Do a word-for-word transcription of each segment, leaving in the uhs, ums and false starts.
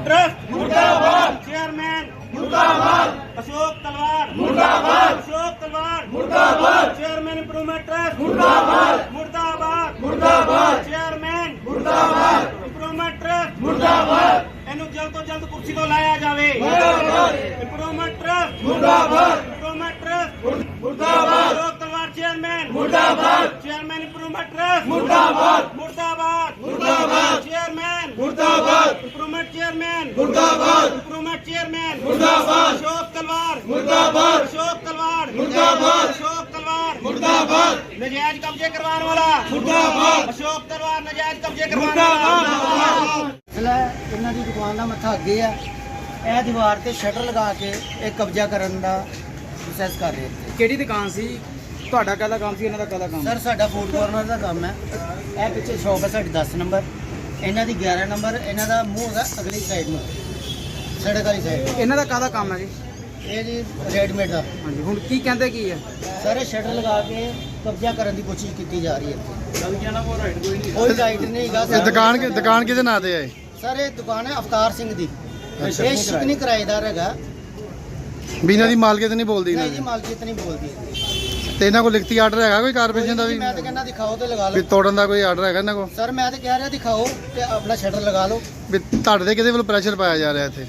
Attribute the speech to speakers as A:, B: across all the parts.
A: Trust मुर्दाबाद, chairman मुर्दाबाद, अशोक तलवार मुर्दाबाद, अशोक तलवार मुर्दाबाद, चेयरमैन इंप्रूवमेंट ट्रस्ट मुर्दाबाद, मुर्दाबाद, मुर्दाबाद, चेयरमैन मुर्दाबाद, इंप्रूवमेंट ट्रस्ट मुर्दाबाद। इन्हू जल्द तो जल्द कुर्सी तो लाया जाए। इंप्रूवमेंट ट्रस्ट मुर्दाबाद, इंप्रूवमेंट ट्रस्ट मुर्दाबाद, अशोक तलवार चेयरमैन मुर्दाबाद, चेयरमैन इंप्रूवमेंट ट्रस्ट मुर्दाबाद, मुर्दाबाद, मुर्दाबाद, चेयरमैन मुर्दाबाद, इंप्रूवमेंट चेयरमैन मुर्दाबाद, इंप्रूवमेंट चेयरमैन मुर्दाबाद, अशोक तलवार मुर्दाबाद, अशोक तलवार मुर्दाबाद, अशोक तलवार मुर्दाबाद, नजायज कब्जे करवाने वाला मुर्दाबाद, अशोक तलवार नजायज कब्जे करवाने वाला।
B: ਇਹਨਾਂ ਦੀ ਦੁਕਾਨ ਦਾ ਮੱਥਾ ਅੱਗੇ ਆ, ਇਹ ਦੀਵਾਰ ਤੇ ਸ਼ਟਰ ਲਗਾ ਕੇ ਇਹ ਕਬਜ਼ਾ ਕਰਨ ਦਾ ਪ੍ਰੋਸੈਸ ਕਰ ਰਹੇ ਸੀ।
C: ਕਿਹੜੀ ਦੁਕਾਨ ਸੀ ਤੁਹਾਡਾ? ਕਾਹਦਾ ਕੰਮ ਸੀ? ਇਹਨਾਂ ਦਾ ਕਾਹਦਾ ਕੰਮ?
B: ਸਰ ਸਾਡਾ ਫੂਡ ਕਾਰਨਰ ਦਾ ਕੰਮ ਹੈ। ਇਹ ਪਿੱਛੇ ਸ਼ੌਪ ਹੈ ਸਾਡੀ ਦਸ ਨੰਬਰ, ਇਹਨਾਂ ਦੀ ਗਿਆਰਾਂ ਨੰਬਰ। ਇਹਨਾਂ ਦਾ ਮੂੰਹ ਹੈਗਾ ਅਗਲੀ ਸਾਈਡ ਨੂੰ, ਸੜਕ ਵਾਲੀ ਸਾਈਡ।
C: ਇਹਨਾਂ ਦਾ ਕਾਹਦਾ ਕੰਮ ਹੈ ਜੀ?
B: ਇਹ ਜੀ ਰੈਡੀਮੇਡ ਦਾ।
C: ਹਾਂਜੀ, ਹੁਣ ਕੀ ਕਹਿੰਦੇ ਕੀ ਹੈ?
B: ਸਾਰੇ ਸ਼ਟਰ ਲਗਾ ਕੇ ਕਬਜ਼ਾ ਕਰਨ ਦੀ ਕੋਸ਼ਿਸ਼ ਕੀਤੀ ਜਾ ਰਹੀ ਹੈ। ਕੋਈ ਰਾਈਟ ਨਹੀਂ ਹੈਗਾ।
D: ਇਹ ਦੁਕਾਨ ਕਿ ਦੁਕਾਨ ਕਿਹਦੇ ਨਾਂ ਤੇ ਹੈ?
B: ਸਰ ਇਹ ਦੁਕਾਨ ਹੈ ਅਵਤਾਰ ਸਿੰਘ ਦੀ। ਇਹ ਸ਼ਿਕਨੀ ਕਿਰਾਏਦਾਰ ਹੈਗਾ।
D: ਵੀ ਇਹਨਾਂ ਦੀ ਮਾਲਕੀਅਤ ਨਹੀਂ ਬੋਲਦੀ
B: ਨਹੀਂ
D: ਇਹਨਾਂ
B: ਜੀ,
D: ਦੀ?
B: ਮਾਲਕੀਅਤ ਨਹੀਂ ਬੋਲਦੀ।
D: ਤੇ ਇਹਨਾਂ ਕੋਲ ਲਿਖਤੀ ਆਰਡਰ ਹੈਗਾ ਕੋਈ ਕਾਰਪੋਰੇਸ਼ਨ ਦਾ ਵੀ?
B: ਮੈਂ ਤਾਂ ਕਹਿੰਦਾ ਦਿਖਾਓ ਤੇ ਲਗਾ
D: ਵੀ
B: ਲਓ।
D: ਤੋੜਨ ਦਾ ਕੋਈ ਆਰਡਰ ਹੈਗਾ ਇਹਨਾਂ ਕੋਲ?
B: ਸਰ ਮੈਂ ਤਾਂ ਕਹਿ ਰਿਹਾ ਦਿਖਾਓ ਤੇ ਆਪਣਾ ਸ਼ਟਰ ਲਗਾ ਲਓ।
D: ਵੀ ਤੁਹਾਡੇ ਤੇ ਕਿਹਦੇ ਵੱਲੋਂ ਪ੍ਰੈਸ਼ਰ ਪਾਇਆ ਜਾ ਰਿਹਾ ਇੱਥੇ?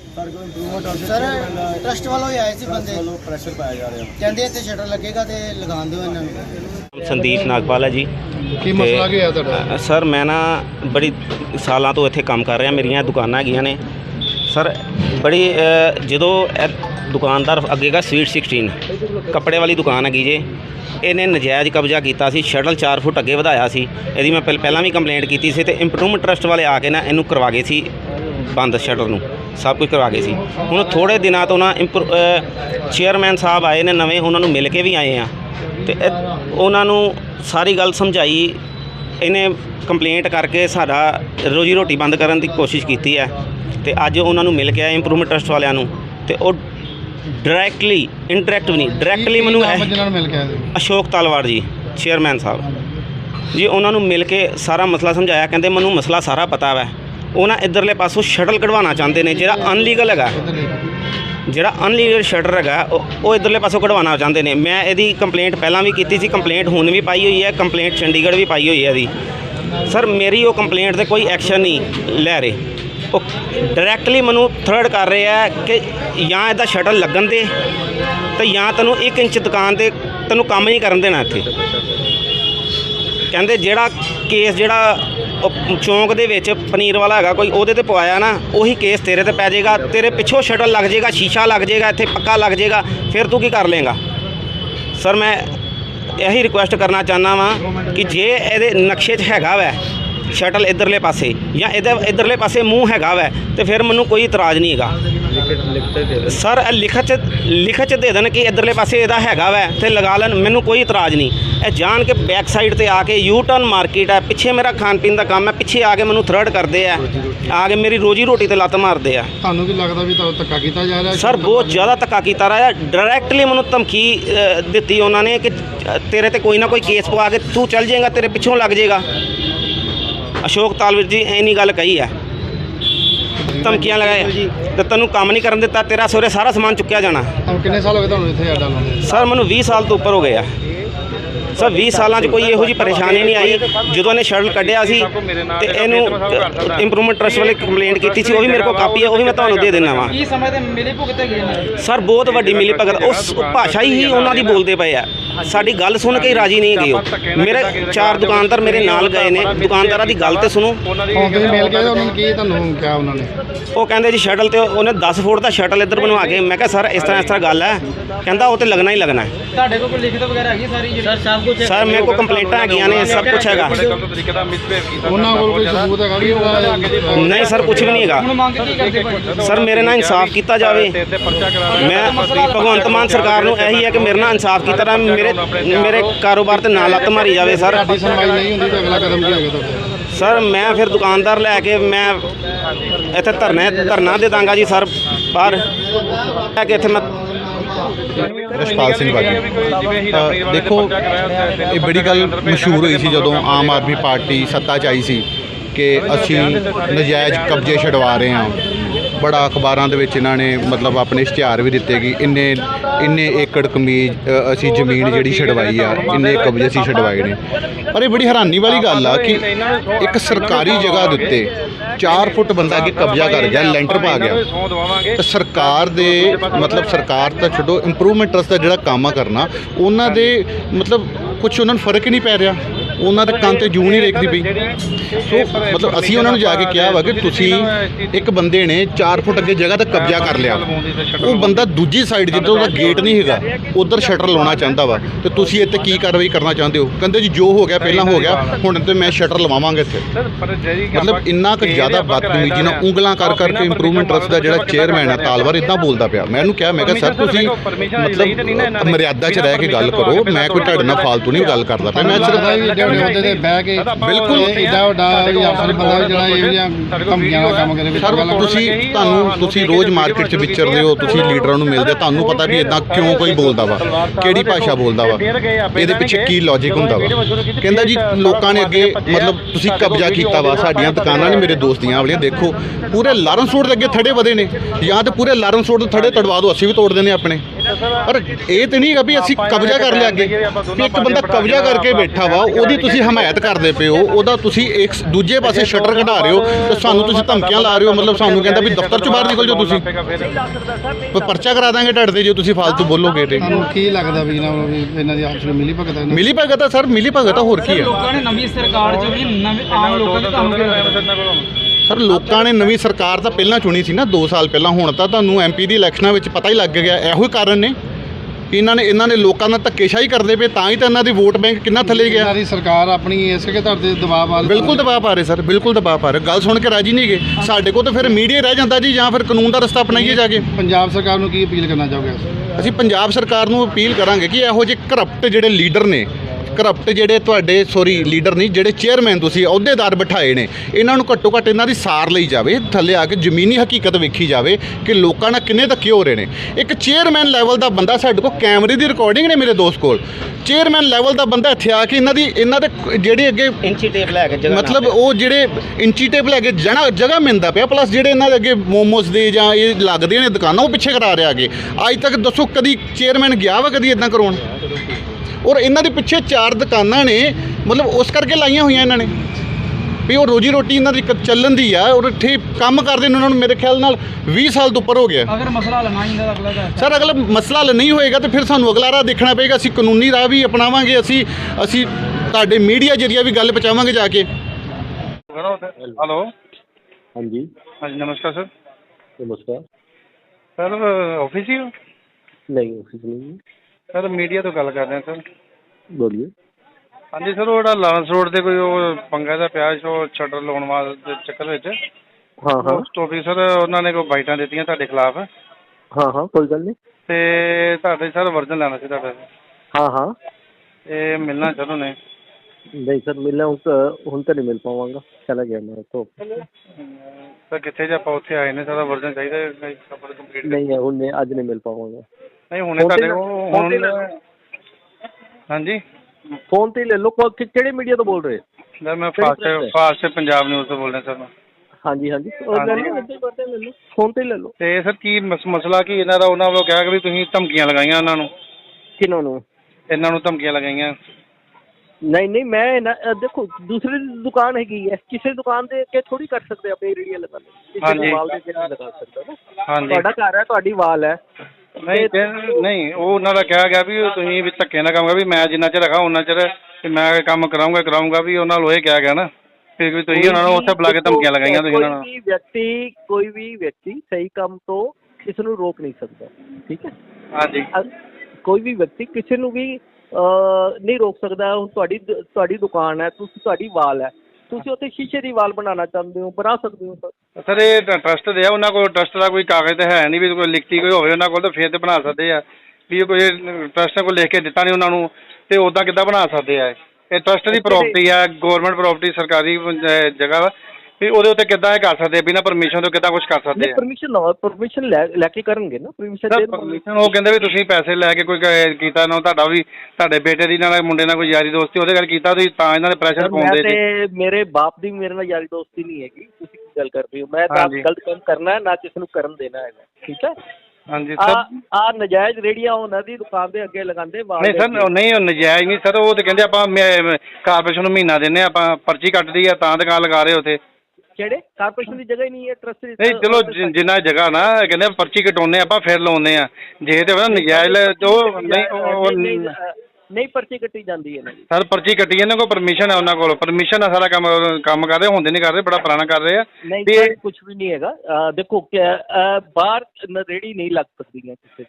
B: ਸਰ ਟਰਸਟ ਵੱਲੋਂ ਹੀ ਆਏ ਸੀ ਬੰਦੇ, ਪ੍ਰੈਸ਼ਰ ਪਾਇਆ ਜਾ ਰਿਹਾ। ਕਹਿੰਦੇ ਇੱਥੇ ਸ਼ਟਰ ਲੱਗੇਗਾ ਤੇ ਲਗਾਉਣ ਦਿਓ ਇਹਨਾਂ ਨੂੰ।
E: ਸੰਦੀਪ ਨਾਗਪਾਲ ਹੈ ਜੀ।
D: ਕੀ ਮਸਲਾ ਕੀ ਹੋਇਆ ਤੁਹਾਡਾ?
E: ਅ, ਸਰ ਮੈਂ ਨਾ ਬੜੀ ਸਾਲਾਂ ਤੋਂ ਇੱਥੇ ਕੰਮ ਕਰ ਰਿਹਾ। ਮੇਰੀਆਂ ਦੁਕਾਨਾਂ ਹੈਗੀਆਂ ਨੇ ਸਰ। ਬੜੀ ਅ, ਜਦੋਂ ਇਹ ਦੁਕਾਨਦਾਰ ਅੱਗੇਗਾ ਸਵੀਟ ਸਿਕਸਟੀਨ ਕੱਪੜੇ ਵਾਲੀ ਦੁਕਾਨ ਹੈਗੀ ਜੇ, ਇਹਨੇ ਨਜਾਇਜ਼ ਕਬਜ਼ਾ ਕੀਤਾ ਸੀ। ਸ਼ਟਲ ਚਾਰ ਫੁੱਟ ਅੱਗੇ ਵਧਾਇਆ ਸੀ। ਇਹਦੀ ਮੈਂ ਪਹਿ- ਪਹਿਲਾਂ ਵੀ ਕੰਪਲੇਂਟ ਕੀਤੀ ਸੀ ਤੇ ਇੰਪਰੂਵਮੈਂਟ ਟਰਸਟ ਵਾਲੇ ਆ ਕੇ ਨਾ ਇਹਨੂੰ ਕਰਵਾ ਗਏ ਸੀ ਬੰਦ, ਸ਼ਟਰ ਨੂੰ ਸਭ ਕੁਝ ਕਰਵਾ ਗਏ ਸੀ। ਹੁਣ ਥੋੜ੍ਹੇ ਦਿਨਾਂ ਤੋਂ ਨਾ ਇੰਪਰੂ ਚੇਅਰਮੈਨ ਸਾਹਿਬ ਆਏ ਨੇ ਨਵੇਂ, ਉਹਨਾਂ ਨੂੰ ਮਿਲ ਕੇ ਵੀ ਆਏ ਆ ਤੇ ਇਹ- ਉਹਨਾਂ ਨੂੰ ਸਾਰੀ ਗੱਲ ਸਮਝਾਈ। ਇਹਨੇ ਕੰਪਲੇਂਟ ਕਰਕੇ ਸਾਡਾ ਰੋਜੀ ਰੋਟੀ ਬੰਦ ਕਰਨ ਦੀ ਕੋਸ਼ਿਸ਼ ਕੀਤੀ ਹੈ ਤੇ ਅੱਜ ਉਹਨਾਂ ਨੂੰ ਮਿਲ ਕੇ ਆਏ ਇੰਪਰੂਵਮੈਂਟ ਟਰਸਟ ਵਾਲਿਆਂ ਨੂੰ ਤੇ ਉਹ ਡਾਇਰੈਕਟਲੀ ਇੰਡਾਇਰੈਕਟ ਵੀ ਨਹੀਂ ਡਾਇਰੈਕਟਲੀ ਮੈਨੂੰ ਇਹ-
D: ਜਿਹਨਾਂ ਨੂੰ ਮਿਲ ਕੇ ਆਏ?
E: ਅਸ਼ੋਕ ਤਲਵਾਰ ਜੀ ਚੇਅਰਮੈਨ ਸਾਹਿਬ ਜੀ, ਉਹਨਾਂ ਨੂੰ ਮਿਲ ਕੇ ਸਾਰਾ ਮਸਲਾ ਸਮਝਾਇਆ। ਕਹਿੰਦੇ ਮੈਨੂੰ ਮਸਲਾ ਸਾਰਾ ਪਤਾ ਵੈ। ਉਹ ਨਾ ਇੱਧਰਲੇ ਪਾਸੋਂ ਸ਼ਟਲ ਕਢਵਾਉਣਾ ਚਾਹੁੰਦੇ ਨੇ ਜਿਹੜਾ ਅਨਲੀਗਲ ਹੈਗਾ, ਜਿਹੜਾ ਅਨਲੀਗਲ ਸ਼ਟਰ ਹੈਗਾ ਉਹ ਉਹ ਇੱਧਰਲੇ ਪਾਸੋਂ ਕਢਵਾਉਣਾ ਚਾਹੁੰਦੇ ਨੇ। ਮੈਂ ਇਹਦੀ ਕੰਪਲੇਂਟ ਪਹਿਲਾਂ ਵੀ ਕੀਤੀ ਸੀ, ਕੰਪਲੇਂਟ ਹੁਣ ਵੀ ਪਾਈ ਹੋਈ ਹੈ, ਕੰਪਲੇਂਟ ਚੰਡੀਗੜ੍ਹ ਵੀ ਪਾਈ ਹੋਈ ਹੈ ਇਹਦੀ। ਸਰ ਮੇਰੀ ਉਹ ਕੰਪਲੇਂਟ 'ਤੇ ਕੋਈ ਐਕਸ਼ਨ ਨਹੀਂ ਲੈ ਰਹੇ। ਉਹ ਡਾਇਰੈਕਟਲੀ ਮੈਨੂੰ ਥਰਡ ਕਰ ਰਹੇ ਆ ਕਿ ਜਾਂ ਇਹਦਾ ਸ਼ਟਲ ਲੱਗਣ ਦੇ ਤੇ ਜਾਂ ਤੈਨੂੰ ਇੱਕ ਇੰਚ ਦੁਕਾਨ 'ਤੇ ਤੈਨੂੰ ਕੰਮ ਨਹੀਂ ਕਰਨ ਦੇਣਾ ਇੱਥੇ। ਕਹਿੰਦੇ ਜਿਹੜਾ ਕੇਸ ਜਿਹੜਾ ਉਹ ਚੌਂਕ ਦੇ ਵਿੱਚ ਪਨੀਰ ਵਾਲਾ ਹੈਗਾ ਕੋਈ, ਉਹਦੇ ਤੇ ਪਵਾਇਆ ਨਾ, ਉਹੀ ਕੇਸ ਤੇਰੇ ਤੇ ਪੈ ਜਾਏਗਾ। ਤੇਰੇ ਪਿੱਛੋਂ ਸ਼ਟਲ ਲੱਗ ਜਾਏਗਾ, ਸ਼ੀਸ਼ਾ ਲੱਗ ਜਾਏਗਾ, ਇੱਥੇ ਪੱਕਾ ਲੱਗ ਜਾਏਗਾ, ਫਿਰ ਤੂੰ ਕੀ ਕਰ ਲੇਗਾ? ਸਰ ਮੈਂ ਇਹੀ ਰਿਕੁਐਸਟ ਕਰਨਾ ਚਾਹੁੰਦਾ ਵਾਂ ਕਿ ਜੇ ਇਹਦੇ ਨਕਸ਼ੇ 'ਚ ਹੈਗਾ ਵੈ ਸ਼ਟਲ ਇੱਧਰਲੇ ਪਾਸੇ ਜਾਂ ਇਹਦੇ ਇੱਧਰਲੇ ਪਾਸੇ ਮੂੰਹ ਹੈਗਾ ਵੈ ਤੇ ਫਿਰ ਮੈਨੂੰ ਕੋਈ ਇਤਰਾਜ਼ ਨਹੀਂ ਹੈਗਾ। ਸਰ ਇਹ ਲਿਖਤ 'ਚ ਲਿਖਤ 'ਚ ਦੇ ਦੇਣ ਕਿ ਇੱਧਰਲੇ ਪਾਸੇ ਇਹਦਾ ਹੈਗਾ ਵੈ ਤੇ ਲਗਾ ਲੈਣ, ਮੈਨੂੰ ਕੋਈ ਇਤਰਾਜ਼ ਨਹੀਂ। ਇਹ ਜਾਣ ਕੇ ਬੈਕ ਸਾਈਡ ਤੇ ਆ ਕੇ ਯੂ ਟਰਨ ਮਾਰਕੀਟ ਹੈ, ਪਿੱਛੇ ਮੇਰਾ ਖਾਣ ਪੀਣ ਦਾ ਕੰਮ ਹੈ, ਪਿੱਛੇ ਆ ਕੇ ਮੈਨੂੰ ਥਰਡ ਕਰਦੇ ਆ, ਆ ਕੇ ਮੇਰੀ ਰੋਜੀ ਰੋਟੀ ਤੇ ਲੱਤ ਮਾਰਦੇ ਆ।
D: ਤੁਹਾਨੂੰ ਕੀ ਲੱਗਦਾ ਵੀ ਤੁਹਾਨੂੰ ਧੱਕਾ ਕੀਤਾ ਜਾ ਰਿਹਾ?
E: ਸਰ ਬਹੁਤ ਜ਼ਿਆਦਾ ਧੱਕਾ ਕੀਤਾ ਰਿਹਾ। ਡਾਇਰੈਕਟਲੀ ਮੈਨੂੰ ਧਮਕੀ ਅ, ਦਿੱਤੀ ਉਹਨਾਂ ਨੇ ਕਿ ਤੇਰੇ ਤੇ ਕੋਈ ਨਾ ਕੋਈ ਕੇਸ ਪਵਾ ਕੇ ਤੂੰ ਚੱਲ ਜਾਏਗਾ, ਤੇਰੇ ਪਿੱਛੋਂ ਲੱਗ ਜਾਏਗਾ। ਅਸ਼ੋਕ ਤਾਲਵੀਰ ਜੀ ਇੰਨੀ ਗੱਲ ਕਹੀ ਹੈ, ਧਮਕੀਆਂ ਲਗਾਏ ਤੇ ਤੈਨੂੰ ਕੰਮ ਨਹੀਂ ਕਰਨ ਦਿੱਤਾ, ਤੇਰਾ ਸਵੇਰੇ ਸਾਰਾ ਸਮਾਨ ਚੁੱਕਿਆ ਜਾਣਾ।
D: ਤੁਹਾਨੂੰ ਕਿੰਨੇ ਸਾਲ ਹੋ ਗਏ ਤੁਹਾਨੂੰ ਇੱਥੇ ਅੱਡਾ ਲਾਉਂਦੇ?
E: ਸਰ ਮੈਨੂੰ ਵੀਹ ਸਾਲ ਤੋਂ ਉੱਪਰ ਹੋ ਗਏ ਆ। ਸਰ ਵੀਹ ਸਾਲਾਂ 'ਚ ਕੋਈ ਇਹੋ ਜਿਹੀ ਪਰੇਸ਼ਾਨੀ ਨਹੀਂ ਆਈ। ਜਦੋਂ ਇਹਨੇ ਸ਼ਟਲ ਕੱਢਿਆ ਸੀ ਤੇ ਇਹਨੂੰ ਇੰਪਰੂਵਮੈਂਟ ਟਰਸਟ ਵਾਲੇ ਕੰਪਲੇਂਟ ਕੀਤੀ ਸੀ, ਉਹ ਵੀ ਮੇਰੇ ਕੋਲ ਕਾਪੀ ਹੈ, ਉਹ ਵੀ ਮੈਂ ਤੁਹਾਨੂੰ ਦੇ ਦਿੰਦਾ ਵਾਂ।
C: ਕੀ ਸਮੇਂ ਤੇ ਮਿਲੀ ਭੁਗਤੇ ਗਏ ਨੇ?
E: ਸਰ ਬਹੁਤ ਵੱਡੀ ਮਿਲੀ ਭਗਤ, ਉਸ ਭਾਸ਼ਾ ਹੀ ਉਹਨਾਂ ਦੀ ਬੋਲਦੇ ਪਏ ਆ। ਸਾਡੀ ਗੱਲ ਸੁਣ ਕੇ ਹੀ ਰਾਜੀ ਨਹੀਂ ਗਏ ਉਹ। ਮੇਰੇ ਚਾਰ ਦੁਕਾਨਦਾਰ ਮੇਰੇ ਨਾਲ ਗਏ ਨੇ, ਦੁਕਾਨਦਾਰਾਂ ਦੀ ਗੱਲ ਤੇ ਸੁਣੋ।
D: ਹੁਣ ਤੁਸੀਂ ਮਿਲ ਕੇ ਆਏ, ਉਹਨਾਂ ਨੂੰ ਕੀ ਤੁਹਾਨੂੰ ਕਿਹਾ ਉਹਨਾਂ ਨੇ?
E: ਉਹ ਕਹਿੰਦੇ ਜੀ ਸ਼ਟਲ ਤੇ ਉਹਨੇ ਦਸ ਫੁੱਟ ਦਾ ਸ਼ਟਲ ਇੱਧਰ ਬਣਵਾ ਕੇ। ਮੈਂ ਕਿਹਾ ਸਰ ਇਸ ਤਰ੍ਹਾਂ ਇਸ ਤਰ੍ਹਾਂ ਗੱਲ ਹੈ। ਕਹਿੰਦਾ ਉਹ ਤੇ ਲੱਗਣਾ ਹੀ ਲੱਗਣਾ ਹੈ।
C: ਤੁਹਾਡੇ ਕੋਲ ਕੋਈ ਲਿਖਤ ਵਗੈਰਾ ਹੈਗੀ ਸਾਰੀ ਜਿਹੜੀ? ਸਰ ਸਭ ਕੁਝ
E: ਸਰ ਮੇਰੇ ਕੋਲ ਕੰਪਲੇਂਟਾਂ ਹੈਗੀਆਂ ਨੇ, ਸਭ ਕੁਝ ਹੈਗਾ।
D: ਉਹਨਾਂ ਕੋਲ ਕੋਈ ਸਬੂਤ ਹੈਗਾ ਵੀ ਉਹ?
E: ਨਹੀਂ ਸਰ ਕੁਝ ਵੀ ਨਹੀਂ ਹੈਗਾ।
C: ਹੁਣ ਮੰਗ ਕੀ ਕਰਦੇ ਭਾਈ?
E: ਸਰ ਮੇਰੇ ਨਾਲ ਇਨਸਾਫ ਕੀਤਾ ਜਾਵੇ। ਮੈਂ ਭਗਵੰਤ ਮਾਨ ਸਰਕਾਰ ਨੂੰ ਇਹੀ ਹੈ ਕਿ ਮੇਰੇ ਨਾਲ ਇਨਸਾਫ ਕੀਤਾ ਜਾਵੇ, ਮੇਰੇ ਮੇਰੇ ਕਾਰੋਬਾਰ ਤੇ ਨਾ ਲੱਤ ਮਾਰੀ ਜਾਵੇ। ਸਰ
D: ਸਾਡੀ ਸੁਣਵਾਈ ਨਹੀਂ ਹੁੰਦੀ ਤਾਂ ਅਗਲਾ ਕਦਮ ਕੀ ਹੋਵੇਗਾ ਤੁਹਾਡਾ?
E: ਸਰ ਮੈਂ ਫਿਰ ਦੁਕਾਨਦਾਰ ਲੈ ਕੇ ਮੈਂ ਇੱਥੇ ਧਰਨਾ ਧਰਨਾ ਦੇ ਦਾਂਗਾ ਜੀ ਸਰ ਬਾਹਰ ਲੈ ਕੇ ਇੱਥੇ ਮੈਂ।
F: ਰਸ਼ਪਾਲ ਸਿੰਘ ਭਾਜੀ, ਅ, ਦੇਖੋ ਇਹ ਬੜੀ ਗੱਲ ਮਸ਼ਹੂਰ ਹੋਈ ਸੀ ਜਦੋਂ ਆਮ ਆਦਮੀ ਪਾਰਟੀ ਸੱਤਾ 'ਚ ਆਈ ਸੀ ਕਿ ਅਸੀਂ ਨਜਾਇਜ਼ ਕਬਜ਼ੇ ਛਡਵਾ ਰਹੇ ਹਾਂ ਬੜਾ ਅਖਬਾਰਾਂ ਦੇ ਵਿੱਚ ਇਹਨਾਂ ਨੇ ਮਤਲਬ ਆਪਣੇ ਇਸ਼ਤਿਹਾਰ ਵੀ ਦਿੱਤੇ ਕਿ ਇੰਨੇ ਇੰਨੇ ਏਕੜ ਕਮੀਜ਼ ਅ, ਅਸੀਂ ਜ਼ਮੀਨ ਜਿਹੜੀ ਛਡਵਾਈ ਆ, ਇੰਨੇ ਕਬਜ਼ੇ ਅਸੀਂ ਛਡਵਾਏ ਨੇ। ਪਰ ਇਹ ਬੜੀ ਹੈਰਾਨੀ ਵਾਲੀ ਗੱਲ ਆ ਕਿ ਇੱਕ ਸਰਕਾਰੀ ਜਗ੍ਹਾ ਦੇ ਉੱਤੇ ਚਾਰ ਫੁੱਟ ਬੰਦਾ ਅੱਗੇ ਕਬਜ਼ਾ ਕਰ ਗਿਆ, ਲੈਂਟਰ ਪਾ ਗਿਆ, ਤੇ ਸਰਕਾਰ ਦੇ ਮਤਲਬ ਸਰਕਾਰ ਤਾਂ ਛੱਡੋ, ਇੰਪਰੂਵਮੈਂਟ ਟਰਸਟ ਦਾ ਜਿਹੜਾ ਕੰਮ ਆ ਕਰਨਾ, ਉਹਨਾਂ ਦੇ ਮਤਲਬ ਕੁਛ ਉਹਨਾਂ ਨੂੰ ਫਰਕ ਹੀ ਨਹੀਂ ਪੈ ਰਿਹਾ, ਉਹਨਾਂ ਦੇ ਕੰਨ ਤੇ ਜੂੰ ਨਹੀਂ ਰੇਕਦੀ ਪਈ। ਸੋ ਮਤਲਬ ਅਸੀਂ ਉਹਨਾਂ ਨੂੰ ਜਾ ਕੇ ਕਿਹਾ ਵਾ ਕਿ ਤੁਸੀਂ ਇੱਕ ਬੰਦੇ ਨੇ ਚਾਰ ਫੁੱਟ ਅੱਗੇ ਜਗ੍ਹਾ ਤੇ ਕਬਜ਼ਾ ਕਰ ਲਿਆ, ਉਹ ਬੰਦਾ ਦੂਜੀ ਸਾਈਡ ਜਿੱਦਾਂ ਉਹਦਾ ਗੇਟ ਨਹੀਂ ਹੈਗਾ ਉਧਰ ਸ਼ਟਰ ਲਾਉਣਾ ਚਾਹੁੰਦਾ ਵਾ, ਤੇ ਤੁਸੀਂ ਇੱਥੇ ਕੀ ਕਾਰਵਾਈ ਕਰਨਾ ਚਾਹੁੰਦੇ ਹੋ? ਕਹਿੰਦੇ ਜੀ ਜੋ ਹੋ ਗਿਆ ਪਹਿਲਾਂ ਹੋ ਗਿਆ, ਹੁਣ ਤੇ ਮੈਂ ਸ਼ਟਰ ਲਵਾਵਾਂਗੇ ਇੱਥੇ। ਮਤਲਬ ਇੰਨਾ ਕੁ ਜ਼ਿਆਦਾ ਬਦਤਮੀਜ਼ੀ ਨਾਲ ਉਂਗਲਾਂ ਕਰ ਕਰਕੇ ਇੰਪਰੂਵਮੈਂਟ ਟਰਸਟ ਦਾ ਜਿਹੜਾ ਚੇਅਰਮੈਨ ਆ ਤਾਲਵਾਰ ਇੱਦਾਂ ਬੋਲਦਾ ਪਿਆ। ਮੈਂ ਉਹਨੂੰ ਕਿਹਾ, ਮੈਂ ਕਿਹਾ ਸਰ ਤੁਸੀਂ ਮਤਲਬ ਮਰਿਆਦਾ 'ਚ ਰਹਿ ਕੇ ਗੱਲ ਕਰੋ, ਮੈਂ ਕੋਈ ਤੁਹਾਡੇ ਨਾਲ ਫਾਲਤੂ ਨਹੀਂ ਗੱਲ ਕਰਦਾ ਪਿਆ। ਮੈਂ ਸਿਰਫ
D: ਉਹਦੇ ਤੇ ਬਹਿ ਕੇ
F: ਬਿਲਕੁਲ
D: ਏਡਾ ਵੱਡਾ ਅਫਸਰ ਬੰਦਾ ਜਿਹੜਾ ਇਹ ਜਿਹੀਆਂ ਧਮਕੀਆਂ ਦਾ ਕੰਮ ਕਰੇ।
F: ਸਰ ਤੁਸੀਂ ਤੁਹਾਨੂੰ ਤੁਸੀਂ ਰੋਜ਼ ਮਾਰਕੀਟ 'ਚ ਵਿਚਰਦੇ ਹੋ, ਤੁਸੀਂ ਲੀਡਰਾਂ ਨੂੰ ਮਿਲਦੇ, ਤੁਹਾਨੂੰ ਪਤਾ ਵੀ ਇਦਾਂ ਕਿਉਂ ਕੋਈ ਬੋਲਦਾ ਵਾ, ਕਿਹੜੀ ਭਾਸ਼ਾ ਬੋਲਦਾ ਵਾ, ਇਹਦੇ ਪਿੱਛੇ ਕੀ ਲੌਜੀਕ ਹੁੰਦਾ ਵਾ। ਕਹਿੰਦਾ ਜੀ ਲੋਕਾਂ ਨੇ ਅੱਗੇ ਮਤਲਬ ਤੁਸੀਂ ਕਬਜ਼ਾ ਕੀਤਾ ਵਾ, ਸਾਡੀਆਂ ਦੁਕਾਨਾਂ ਨੇ ਮੇਰੇ ਦੋਸਤ ਦੀਆਂ ਵਾਲੀਆਂ, ਦੇਖੋ ਪੂਰੇ ਲਾਰੈਂਸ ਰੋਡ ਦੇ ਅੱਗੇ ਥੜੇ ਵਧੇ ਨੇ, ਜਾਂ ਤੇ ਪੂਰੇ ਲਾਰੈਂਸ ਰੋਡ ਦੇ ਥੜੇ ਤੜਵਾ ਦਿਓ, ਅਸੀਂ ਵੀ ਤੋੜ ਦਿੰਦੇ ਆਪਣੇ। ਪਰ ਇਹ ਤੇ ਨਹੀਂ ਹੈਗਾ ਵੀ ਅਸੀਂ ਕਬਜ਼ਾ ਕਰ ਲਿਆ ਅੱਗੇ, ਵੀ ਇੱਕ ਬੰਦਾ ਕਬਜ਼ਾ ਕਰਕੇ ਬੈਠਾ ਵਾ ਉਹਦੀ ਤੁਸੀਂ ਹਮਾਇਤ ਕਰਦੇ ਪਏ ਹੋ, ਉਹਦਾ ਤੁਸੀਂ ਇੱਕ ਦੂਜੇ ਪਾਸੇ ਸ਼ਟਰ ਕਢਾ ਰਹੇ ਹੋ, ਤੇ ਸਾਨੂੰ ਤੁਸੀਂ ਧਮਕੀਆਂ ਲਾ ਰਹੇ ਹੋ। ਮਤਲਬ ਸਾਨੂੰ ਕਹਿੰਦਾ ਵੀ ਦਫ਼ਤਰ 'ਚ ਬਾਹਰ ਨਿਕਲ ਜਾਓ, ਤੁਸੀਂ ਕੋਈ ਪਰਚਾ ਕਰਾ ਦਾਂਗੇ ਤੁਹਾਡੇ ਤੇ ਜੇ ਤੁਸੀਂ ਫਾਲਤੂ ਬੋਲੋਗੇ ਤੇ।
D: ਤੁਹਾਨੂੰ ਕੀ ਲੱਗਦਾ ਵੀ ਇਹਨਾਂ ਵੀ ਇਹਨਾਂ ਦੀ ਆਪਸ ਵਿੱਚ ਮਿਲੀ ਭਗਤ ਹੈ?
F: ਮਿਲੀ ਭਗਤ ਆ ਸਰ, ਮਿਲੀ ਭਗਤ ਆ, ਹੋਰ ਕੀ ਆ।
C: ਲੋਕਾਂ ਨੇ ਨਵੀਂ ਸਰਕਾਰ ਚ ਵੀ ਨਵੇਂ ਆਮ ਲੋਕਾਂ ਦੇ ਕੰਮ
F: ਸਰ ਲੋਕਾਂ ਨੇ ਨਵੀਂ ਸਰਕਾਰ ਤਾਂ ਪਹਿਲਾਂ ਚੁਣੀ ਸੀ ਨਾ, ਦੋ ਸਾਲ ਪਹਿਲਾਂ। ਹੁਣ ਤਾਂ ਤੁਹਾਨੂੰ ਐਮਪੀ ਦੀ ਇਲੈਕਸ਼ਨਾਂ ਵਿੱਚ ਪਤਾ ਹੀ ਲੱਗ ਗਿਆ, ਇਹੋ ਹੀ ਕਾਰਨ ਨੇ ਕਿ ਇਹਨਾਂ ਨੇ ਇਹਨਾਂ ਨੇ ਲੋਕਾਂ ਨਾਲ ਧੱਕੇਸ਼ਾਹੀ ਕਰਦੇ ਪਏ, ਤਾਂ ਹੀ ਤਾਂ ਇਹਨਾਂ ਦੀ ਵੋਟ ਬੈਂਕ ਕਿੰਨਾ ਥੱਲੇ ਗਿਆ।
D: ਇਹਨਾਂ ਦੀ ਸਰਕਾਰ ਆਪਣੀ ਇਸ ਕਰਕੇ ਤੁਹਾਡੇ ਦਬਾਅ ਪਾ ਰਹੀ।
F: ਬਿਲਕੁਲ ਦਬਾਅ ਪਾ ਰਹੇ ਸਰ, ਬਿਲਕੁਲ ਦਬਾਅ ਪਾ ਰਹੇ। ਗੱਲ ਸੁਣ ਕੇ ਰਾਜੀ ਨਹੀਂ ਗਏ ਸਾਡੇ ਕੋਲ, ਤਾਂ ਫਿਰ ਮੀਡੀਆ ਰਹਿ ਜਾਂਦਾ ਜੀ, ਜਾਂ ਫਿਰ ਕਾਨੂੰਨ ਦਾ ਰਸਤਾ ਅਪਣਾਈਏ ਜਾ ਕੇ।
D: ਪੰਜਾਬ ਸਰਕਾਰ ਨੂੰ ਕੀ ਅਪੀਲ ਕਰਨਾ ਚਾਹੋਗੇ?
F: ਅਸੀਂ ਪੰਜਾਬ ਸਰਕਾਰ ਨੂੰ ਅਪੀਲ ਕਰਾਂਗੇ ਕਿ ਇਹੋ ਜਿਹੇ ਕਰਪਟ ਜਿਹੜੇ ਲੀਡਰ ਨੇ, ਕਰਪਟ ਜਿਹੜੇ ਤੁਹਾਡੇ ਸੋਰੀ ਲੀਡਰ ਨਹੀਂ, ਜਿਹੜੇ ਚੇਅਰਮੈਨ ਤੁਸੀਂ ਅਹੁਦੇਦਾਰ ਬਿਠਾਏ ਨੇ, ਇਹਨਾਂ ਨੂੰ ਘੱਟੋ ਘੱਟ ਇਹਨਾਂ ਦੀ ਸਾਰ ਲਈ ਜਾਵੇ, ਥੱਲੇ ਆ ਕੇ ਜ਼ਮੀਨੀ ਹਕੀਕਤ ਵੇਖੀ ਜਾਵੇ ਕਿ ਲੋਕਾਂ ਨਾਲ ਕਿੰਨੇ ਧੱਕੇ ਹੋ ਰਹੇ ਨੇ। ਇੱਕ ਚੇਅਰਮੈਨ ਲੈਵਲ ਦਾ ਬੰਦਾ, ਸਾਡੇ ਕੋਲ ਕੈਮਰੇ ਦੀ ਰਿਕਾਰਡਿੰਗ ਨੇ ਮੇਰੇ ਦੋਸਤ ਕੋਲ, ਚੇਅਰਮੈਨ ਲੈਵਲ ਦਾ ਬੰਦਾ ਇੱਥੇ ਆ ਕੇ ਇਹਨਾਂ ਦੀ ਇਹਨਾਂ ਦੇ ਜਿਹੜੇ ਅੱਗੇ
E: ਇੰਚੀ ਟੇਪ ਲੈ ਕੇ ਜਗ੍ਹਾ
F: ਮਤਲਬ ਉਹ ਜਿਹੜੇ ਇੰਚੀ ਟੇਪ ਲੈ ਕੇ ਜਣਾ ਜਗ੍ਹਾ ਮਿਲਦਾ ਪਿਆ, ਪਲੱਸ ਜਿਹੜੇ ਇਹਨਾਂ ਦੇ ਅੱਗੇ ਮੋਮੋਸ ਦੇ ਜਾਂ ਇਹ ਲੱਗਦੇ ਨੇ ਦੁਕਾਨਾਂ, ਉਹ ਪਿੱਛੇ ਕਰਾ ਰਿਹਾ ਅੱਗੇ। ਅੱਜ ਤੱਕ ਦੱਸੋ ਕਦੀ ਚੇਅਰਮੈਨ ਗਿਆ ਵਾ ਕਦੀ ਇਦਾਂ ਕਰਾਉਣ? ਔਰ ਇਹਨਾਂ ਦੇ ਪਿੱਛੇ ਚਾਰ ਦੁਕਾਨਾਂ ਨੇ, ਮਤਲਬ ਉਸ ਕਰਕੇ ਲਾਈਆਂ ਹੋਈਆਂ ਇਹਨਾਂ ਨੇ ਵੀ ਉਹ ਰੋਜੀ ਰੋਟੀ ਇਹਨਾਂ ਦੀ ਕ- ਚੱਲਣ ਦੀ ਆ, ਔਰ ਇੱਥੇ ਕੰਮ ਕਰਦੇ ਨੇ ਉਹਨਾਂ ਨੂੰ ਮੇਰੇ ਖਿਆਲ ਨਾਲ ਵੀਹ ਸਾਲ ਤੋਂ ਉੱਪਰ ਹੋ ਗਿਆ।
C: ਅਗਰ ਮਸਲਾ ਹੱਲ ਨਾ ਹੁੰਦਾ ਅਗਲਾ ਦਾ
F: ਸਰ ਅਗਲਾ ਮਸਲਾ ਹੱਲ ਨਹੀਂ ਹੋਏਗਾ ਤਾਂ ਫਿਰ ਸਾਨੂੰ ਅਗਲਾ ਰਾਹ ਦੇਖਣਾ ਪਏਗਾ। ਅਸੀਂ ਕਾਨੂੰਨੀ ਰਾਹ ਵੀ ਅਪਣਾਵਾਂਗੇ, ਅਸੀਂ ਅਸੀਂ ਤੁਹਾਡੇ ਮੀਡੀਆ ਜਰੀਆ ਵੀ ਗੱਲ ਪਹੁੰਚਾਵਾਂਗੇ ਜਾ ਕੇ।
G: हेलो
H: हाँ जी
G: हाँ जी नमस्कार सर।
H: नमस्कार।
G: सर ऑफिस ही हो?
H: नहीं ऑफिस नहीं है।
G: सर मीडिया तो गल कर रहे हैं सर।
H: बोलिए।
G: हाँ जी सर, वो ਜਿਹੜਾ ਲਾਰੈਂਸ ਰੋਡ ਤੇ ਕੋਈ ਉਹ ਪੰਗਾ ਦਾ ਪਿਆ ਸੀ, ਉਹ ਸ਼ਟਰ ਲਾਉਣ ਵਾਲੇ ਦੇ ਚੱਕਰ ਵਿੱਚ
H: हाँ हाँ
G: ਉਸ ਟੋਪਿਕ ਸਰ ਉਹਨਾਂ ਨੇ ਕੋਈ ਬਾਈਟਾਂ ਦਿੱਤੀਆਂ ਤੁਹਾਡੇ ਖਿਲਾਫ,
H: हाँ हाँ कोई गल नहीं।
G: ਤੇ ਤੁਹਾਡੇ ਸਰ ਵਰਜਨ ਲੈਣਾ ਸੀ ਤੁਹਾਡਾ,
H: हाँ हाँ
G: ਇਹ ਮਿਲਣਾ ਚਾਹੁੰਦੇ ਨੇ।
H: नहीं सर मिलना हूँ तो हूँ तो नहीं मिल पाऊँगा, चला गया मेरा तो।
G: ਸਰ ਕਿੱਥੇ ਜੇ ਆਪਾਂ ਉੱਥੇ ਆਏ ਨੇ, ਸਾਡਾ ਵਰਜਨ ਚਾਹੀਦਾ ਹੈ ਖਬਰ ਕੰਪਲੀਟ।
H: नहीं है हूँ अज नहीं मिल पाऊँगा।
G: ਨਹੀਂ ਹੁਣੇ ਤੁਹਾਡੇ ਕੋਲ
H: फोन ते
G: ਹੁਣ
H: ले लो।
G: ਹਾਂਜੀ
H: फोन ते ले लो। को- कि- केड़े मीडिया तो बोल रहे?
G: ਸਰ ਮੈਂ ਫਾਸਟ ਫਾਸਟ ਪੰਜਾਬ ਨਿਊਜ਼ ਤੋਂ ਬੋਲ ਰਿਹਾ ਸਰ ਮੈਂ।
H: हाँ जी हाँ जी और ले लो, इधर करते ले लो, फोन ते ले लो।
G: ਤੇ ਸਰ ਕੀ ਮਸ- ਮਸਲਾ ਕੀ ਇਹਨਾਂ ਦਾ? ਉਹਨਾਂ ਵੱਲੋਂ ਕਿਹਾ ਕਿ ਵੀ ਤੁਸੀਂ ਧਮਕੀਆਂ ਲਗਾਈਆਂ ਉਹਨਾਂ ਨੂੰ,
H: किन्होंने?
G: ਇਹਨਾਂ ਨੂੰ ਧਮਕੀਆਂ ਲਗਾਈਆਂ।
H: नहीं नहीं मैं ना अ, देखो दूसरी दुकान हैगी है, किसी दुकान दे के थोड़ी कर सकते अपनी रेडिया लगा ले,
G: हाँ
H: किसी
G: जी।
H: वाल दे के नहीं लगा सकता ना।
G: ਹਾਂਜੀ
H: ਤੁਹਾਡਾ ਘਰ ਹੈ, ਤੁਹਾਡੀ ਵਾਲ ਹੈ।
G: ਨਹੀਂ ਫਿਰ ਨਹੀਂ, ਉਹ ਉਹਨਾਂ ਦਾ ਕਿਹਾ ਗਿਆ ਵੀ ਤੁਸੀਂ ਵੀ ਧੱਕੇ ਨਾ ਕੰਮ, ਵੀ ਮੈਂ ਜਿੰਨਾ ਚਿਰ ਹੈਗਾ ਉਹਨਾਂ ਚਿਰ ਵੀ ਮੈਂ ਕੰਮ ਕਰਾਊਂਗਾ ਕਰਾਊਂਗਾ ਵੀ ਉਹਨਾਂ ਨੂੰ ਇਹ ਕਿਹਾ ਗਿਆ ਨਾ, ਫਿਰ ਵੀ ਤੁਸੀਂ ਉਹਨਾਂ ਨੂੰ ਉੱਥੇ ਬੁਲਾ ਕੇ ਧਮਕੀਆਂ ਲਗਾਈਆਂ ਤੁਸੀਂ ਉਹਨਾਂ ਨੂੰ।
H: ਕੋਈ ਵੀ ਵਿਅਕਤੀ ਕੋਈ ਵੀ ਵਿਅਕਤੀ ਸਹੀ ਕੰਮ ਤੋਂ ਕਿਸੇ ਨੂੰ ਰੋਕ ਨਹੀਂ ਸਕਦਾ, ਠੀਕ ਹੈ।
G: ਹਾਂਜੀ
H: ਅ- ਕੋਈ ਵੀ ਵਿਅਕਤੀ ਕਿਸੇ ਨੂੰ ਵੀ ਅ, ਨਹੀਂ ਰੋਕ ਸਕਦਾ। ਹੁਣ ਤੁਹਾਡੀ ਦ- ਤੁਹਾਡੀ ਦੁਕਾਨ ਹੈ, ਤੁਸੀਂ ਤੁਹਾਡੀ ਵਾਲ ਹੈ, ਤੁਸੀਂ ਉੱਥੇ ਸ਼ੀਸ਼ੇ ਦੀ ਵਾਲ ਬਣਾਉਣਾ ਚਾਹੁੰਦੇ ਹੋ, ਬਣਾ ਸਕਦੇ ਹੋ ਸਰ।
G: ਸਰ ਇਹ ਟਰਸਟ ਦੇ ਆ, ਉਹਨਾਂ ਕੋਲ ਟਰਸਟ ਦਾ ਕੋਈ ਕਾਗਜ਼ ਤਾਂ ਹੈ ਨਹੀਂ ਵੀ ਕੋਈ ਲਿਖਤੀ ਕੋਈ ਹੋਵੇ ਉਹਨਾਂ ਕੋਲ, ਤਾਂ ਫਿਰ ਤੇ ਬਣਾ ਸਕਦੇ ਆ। ਵੀ ਇਹ ਕੋਈ ਟਰਸਟ ਕੋਲ ਲਿਖ ਕੇ ਦਿੱਤਾ ਨਹੀਂ ਉਹਨਾਂ ਨੂੰ, ਤੇ ਉੱਦਾਂ ਕਿੱਦਾਂ ਬਣਾ ਸਕਦੇ ਆ? ਇਹ ਟਰਸਟ ਦੀ ਪ੍ਰਾਪਰਟੀ ਆ, ਗਵਰਨਮੈਂਟ ਪ੍ਰਾਪਰਟੀ, ਸਰਕਾਰੀ ਅਹ, ਜਗ੍ਹਾ ਵਾ, ਵੀ ਉਹਦੇ ਉੱਤੇ ਕਿੱਦਾਂ ਇਹ ਕਰ ਸਕਦੇ, ਬਿਨਾਂ ਪਰਮਿਸ਼ਨ ਤੋਂ ਕਿੱਦਾਂ ਕੁਝ ਕਰ ਸਕਦੇ ਆ?
H: ਪਰਮਿਸ਼ਨ ਨਾ ਪਰਮਿਸ਼ਨ ਲੈ ਲੈ ਕੇ ਕਰਨਗੇ ਨਾ, ਪਰਮਿਸ਼ਨ
G: ਸਰ
H: ਦੇ
G: ਪਰਮਿਸ਼ਨ ਉਹ ਕਹਿੰਦੇ ਵੀ ਤੁਸੀਂ ਪੈਸੇ ਲੈ ਕੇ ਕੋਈ ਕ- ਕੀਤਾ ਨਾ, ਤੁਹਾਡਾ ਵੀ ਤੁਹਾਡੇ ਬੇਟੇ ਦੀ ਨਾਲ ਮੁੰਡੇ ਨਾਲ ਕੋਈ ਯਾਰੀ ਦੋਸਤੀ ਉਹਦੇ ਕਰਕੇ ਕੀਤਾ, ਤੁਸੀਂ ਤਾਂ ਇਹਨਾਂ ਨੇ ਪ੍ਰੈਸ਼ਰ
H: ਮੈਂ
G: ਪਾਉਂਦੇ ਜੀ।
H: ਤੇ ਮੇਰੇ ਬਾਪ ਦੀ ਮੇਰੇ ਨਾਲ ਯਾਰੀ ਦੋਸਤੀ ਨਹੀਂ ਹੈਗੀ, ਤੁਸੀਂ ਗੱਲ ਕਰ ਰਹੀ ਹੂੰ ਮੈਂ ਨਾ
G: ਹਾਂਜੀ।
H: ਗਲਤ ਕੰਮ ਕਰਨਾ ਹੈ ਨਾ ਕਿਸੇ ਨੂੰ ਕਰਨ ਦੇਣਾ ਹੈਗਾ ਠੀਕ ਹੈ
G: ਹਾਂਜੀ
H: ਆ
G: ਸਰ
H: ਆ ਨਜਾਇਜ਼ ਰੇੜੀਆਂ ਉਹਨਾਂ ਦੀ ਦੁਕਾਨ ਦੇ ਅੱਗੇ ਲਗਾਉਂਦੇ ਵਾਲ
G: ਨਹੀਂ
H: ਦੇ
G: ਸਰ
H: ਅੱਗੇ।
G: ਉਹ ਨਹੀਂ ਉਹ ਨਜਾਇਜ਼ ਨਹੀਂ ਸਰ ਉਹ ਤੇ ਕਹਿੰਦੇ ਆਪਾਂ ਕਾਰਪੋਰੇਸ਼ਨ ਨੂੰ ਮਹੀਨਾ ਦਿੰਦੇ ਹਾਂ ਆਪਾਂ ਪਰਚੀ ਕੱਟਦੀ ਆ ਤਾਂ ਦੁਕਾਨ ਲਗਾ ਰਹੇ ਉੱਥੇ
H: ਕਿਹੜੇ ਕਾਰਪੋਰੇਸ਼ਨ ਦੀ ਜਗ੍ਹਾ ਹੀ ਨਹੀਂ ਹੈ ਟਰਸਟ
G: ਨਹੀਂ ਚਲੋ ਜਿ- ਜਿੰਨਾ ਜਗ੍ਹਾ ਨਾ ਕਹਿੰਦੇ ਪਰਚੀ ਕਟਾਉਂਦੇ ਆਪਾਂ ਫਿਰ ਲਾਉਂਦੇ ਆ ਜੇ ਤੇ ਨਾ ਨਜਾਇਜ਼ ਤੇ ਉਹ ਨਹੀਂ ਉਹ
H: ਨਹੀਂ ਨਹੀਂ ਪਰਚੀ ਕੱਟੀ ਜਾਂਦੀ ਹੈ ਨਾ ਜੀ
G: ਸਰ ਪਰਚੀ ਕੱਟੀ ਇਹਨਾਂ ਕੋਲ ਪਰਮਿਸ਼ਨ ਹੈ ਉਹਨਾਂ ਕੋਲ ਪਰਮਿਸ਼ਨ ਹੈ ਸਾਰਾ ਕੰਮ ਕੰਮ ਕਰ ਰਹੇ ਹੁੰਦੇ ਨਹੀਂ ਕਰ ਰਹੇ ਬੜਾ ਪੁਰਾਣਾ ਕਰ ਰਹੇ ਆ
H: ਨਹੀਂ
G: ਤੇ
H: ਸਰ ਕੁਝ ਵੀ ਨਹੀਂ ਹੈਗਾ ਅਹ ਦੇਖੋ ਕਿ ਅਹ ਬਾਹਰ ਨ- ਰੇਹੜੀ ਨਹੀਂ ਲੱਗ ਸਕਦੀ ਹੈ ਕਿਸੇ